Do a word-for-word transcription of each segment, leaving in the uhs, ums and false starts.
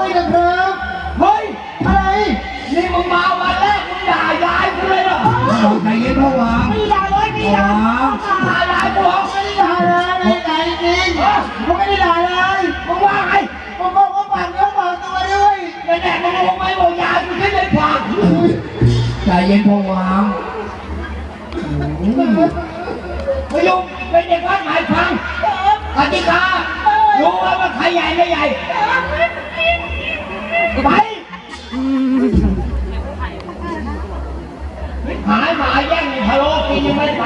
ด้วยนะครับเฮ้ยอะไรนี่มึงมาวันแรกมึงด่ายายกูเลยเหรอใจเย็นพ่อวางไม่ด่าเลยไม่ด่าด่ายายกูไม่ได้ด่าเลยใจจริงมึงไม่ได้ด่าเลยมึงว่าไงมึงบอกว่าฝากเนื้อฝากตัวด้วยแน่ๆมึงบอกไม่บอกยายมึงคิดเลยฝากใจเย็นพ่อวางไม่ยุ่งเป็นเด็กวัดหมายฟังกติการู้ว่ามันใครใหญ่ไม่ใหญ่ไปหายหมาแย่งพะโล้กินยังไม่ไป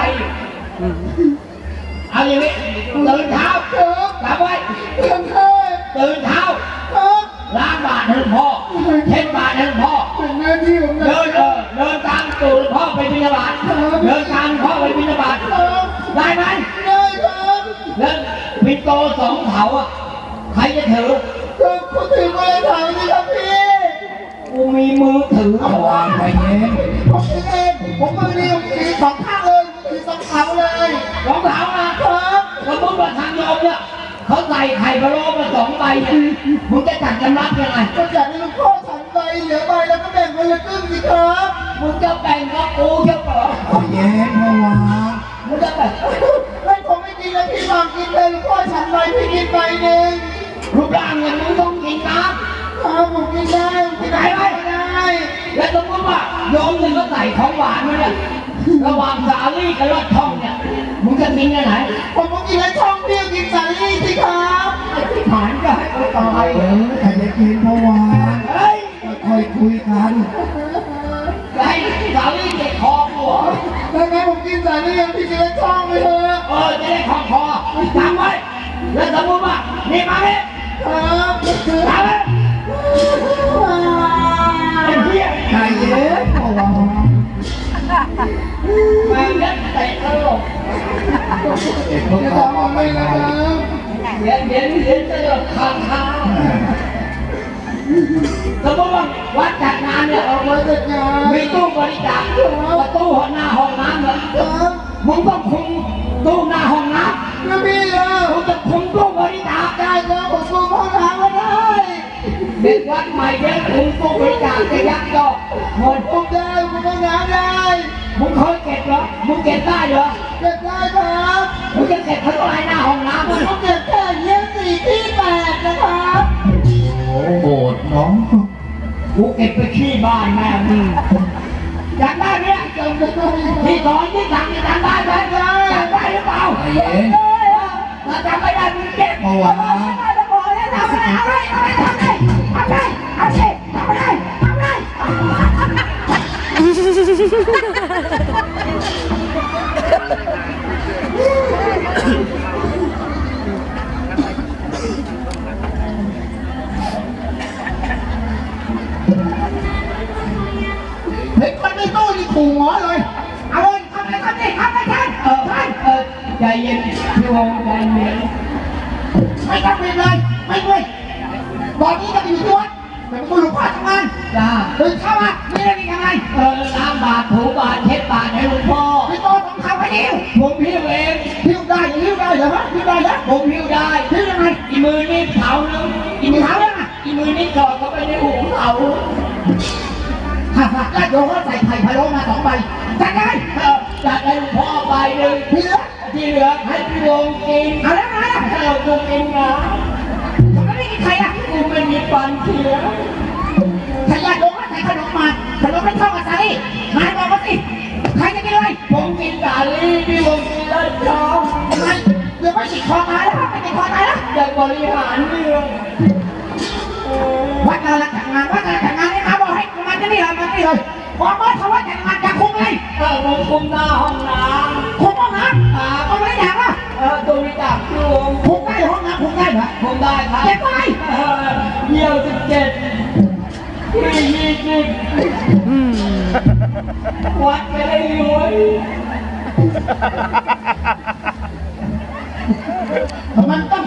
เอาอย่างนี้ตื่นเช้าจำไว้ตื่นเช้าตื่นเช้าล้างบาตรให้พ่อเช็ดบาตรให้พ่อเดินเออเดินตามตู่พ่อไปบิณฑบาตเดินตามพ่อไปบิณฑบาตได้ไหมได้ครับแล้วปิ่นโตสองเถาอ่ะใครจะถือก็กูถือมาเลยเถาสิครับพี่กูมีมือถือเอาวางไปเองผมเองผมมือเดียวถือสองข้างเลยถือสองเถาเลยสองเถานะครับสมมติว่าทางโยมเนี่ยเขาใส่ไข่พะโล้มาสองใบเนี่ยมึงจะจัดจำรับยังไงก็จัดให้ลูกพ่อฉันใบเหลือใบแล้วก็แบ่งคนละครึ่งสิครับมึงจะแบ่งกับกูเจ้าเหรอเย็นพ่อวางมึงจะแบ่งไม่ผมไม่กินแล้วพี่วางกินเลยลูกพ่อฉันใบพี่กินใบหนึ่งรูปร่างอย่างมึงต้องกินน้ำครับผมกินได้กินได้ไหมได้แล้วสมมติว่าโยมเนี่ยก็ใส่ของหวานมาเนี่ยระหว่างสาลี่กับรอดช่องเนี่ยมึงจะกินกันไหนผมต้องกินแล้วช่องพี่กินสาลี่สิครับไอ้ที่ผ่านก็ให้เขาตายเออใครจะกินเพราะว่าเฮ้ยค่อยคุยกันไอ้สาลี่เจ็บคอหัวแล้วไงผมกินสาลี่ยังพี่กินแล้วช่องไปเถอะเออจะได้คอคอจำไว้แล้วสมมติว่านี่มาเนี่ยครับมาเลยไอ้เหี้ยใจเย็นเพราะว่ามาเล่นเตะตลกเด็กพวกเขาเอาไปแล้วเย็นเย็นเย็นตลกข้างข้างสมมติว่าวัดจัดงานเนี่ยเราจัดงานมีตู้บริจาคประตูหน้าห้องน้ำเหรอมึงต้องคุมตู้หน้าห้องน้ำไม่มีเลยมึงจะคุมตู้บริจาคได้แล้วผมคุมห้องน้ำไม่ได้เด็กวัดใหม่เด็กคุมตู้บริจาคจะยักยอกหมดคุมได้คุมห้องน้ำได้มึงเคยเก็บเหรอมึงเก็บได้เหรอเก็บได้ครับมึงจะเก็บเท่าไรหน้าห้องน้ำมึงเก็บแค่เยี่ยมสี่ที่แปดนะครับโอ้โหน้องกูเก็บไปขี้บ้านแม่มึงจำได้ไหมที่สอนที่สั่งที่จำได้ไหมจำได้หรือเปล่าไอ้เย็นถ้าจำไม่ได้มึงเก็บเอาไว้ทำอะไรทำอะไรทำอะไรทำอะไรทำอะไรทำอะไรทำอะไรเฮ้ยคนในตู้นี่ขู่หมอเลยเอาเลยทำอะไรทำนี่ทำอะไรท่านเออท่านเออใจเย็นพี่วงใจเย็นไม่ต้องรีบเลยไม่ด้วยตอนนี้จะอยู่ที่วัดเป็นผู้หลวงพ่อทำงานจ้าตื่นเช้ามามีอะไรยังไงเออล้างบาตรถูบาตรเช็ดบาตรให้หลวงพ่อพี่โตต้องทำให้ดิวผมพิ้วเองพิ้วได้พิ้วได้เหรอฮะพิ้วได้เหรอผมพิ้วได้พิ้วยังไงอีมือนี่เผานึงอีมือเผาแล้วนะอีมือนี่จอดเข้าไปในหูเผาฮ่าฮ่าแล้วโยมก็ใส่ไข่พะโล้มาสองใบจัดได้เออจัดให้หลวงพ่อใบหนึ่งที่เหลือที่เหลือให้พี่วงกินเอาแล้วไงให้เราดูกินนะผมไม่ได้กินใครอ่ะกูไม่มีฟันเสียใครอยากโดนก็ใส่ขนมมาขนมไม่เข้ากับสาลี่นายบอกมาสิใครจะกินอะไรผมกินสาลี่พี่วงกินแล้วจ้าทำไมเดี๋ยวไม่ติดคอตายแล้วไม่ติดคอตายแล้วอยากบริหารเรื่องวัดการจัดงานวัดการจัดงานนี่มาบอกให้มาที่นี่เลยมาที่นี่เลยบอกว่าทว่าจัดงานจะคุมเลยเออผมคุมหน้าห้องน้ำคุมห้องน้ำอ่าก็ไม่อยากอ่ะเออตัวนี้จากพี่วงคุมได้ห้องน้ำคุมได้ไหมคุมได้ครับเจ็ดไปเยี่ยวสิบเจ็ดไม่ยี่สิบวัดไปเลยรวยมันต้อง